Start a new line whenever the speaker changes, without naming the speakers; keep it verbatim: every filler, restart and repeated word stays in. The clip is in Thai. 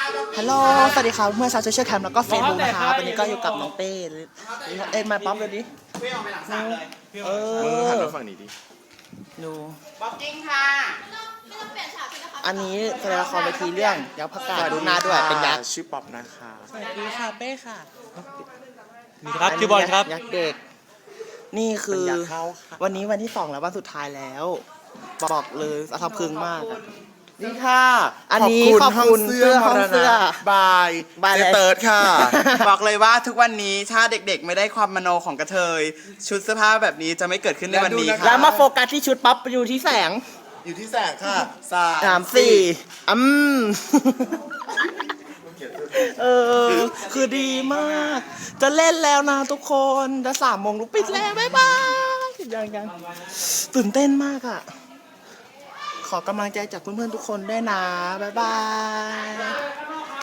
ฮัลโหลสวัสดีครับเมื่อชาวโซเชียลแคมป์แล้วก็เฟซบุ๊กนะคะวันนี้ก็อยู่กับน้องเต้เอ็นมาป๊อปเลยดิเออหันมาฝั่งนี้ดิดู
บ็อกกิ้งค่ะ
อันนี้แสดงละครเวทีเรื่องยักษ์ผักกาดดูหน้าด้วยเป็นยักษ์
ชื่อป๊อปนะคะ
สวัสดีค่ะเป้ค่ะ
มีครับชื่อบอลครับ
ยักษ์เด็กนี่คือวันนี้วันที่สองแล้ววันสุดท้ายแล้วบอกเลยสะท้อนพึงมากนี่ค่ะอันนี้ขอบคุณเสื้อห้องเสื้อบ
าย
บาย
เจเติร์ดค่ะ
บอกเลยว่าทุกวันนี้ถ้าเด็กๆไม่ได้ความมโนของกระเทยชุดเสื้อผ้าแบบนี้จะไม่เกิดขึ้นในวันนี้ค่ะ
แล้วมาโฟกัสที่ชุดป๊อปอยู่ที่แสง
อยู่ที่แสงค่ะสา
สามสี่อืมเออคือดีมาก จะเล่นแล้วนะทุกคนจะสามโมงลุกปิดแล้วบ๊ายบายยังยังตื่นเต้นมากอ่ะขอกำลังใจจากเพื่อนๆทุกคนด้วยนะบ๊ายบาย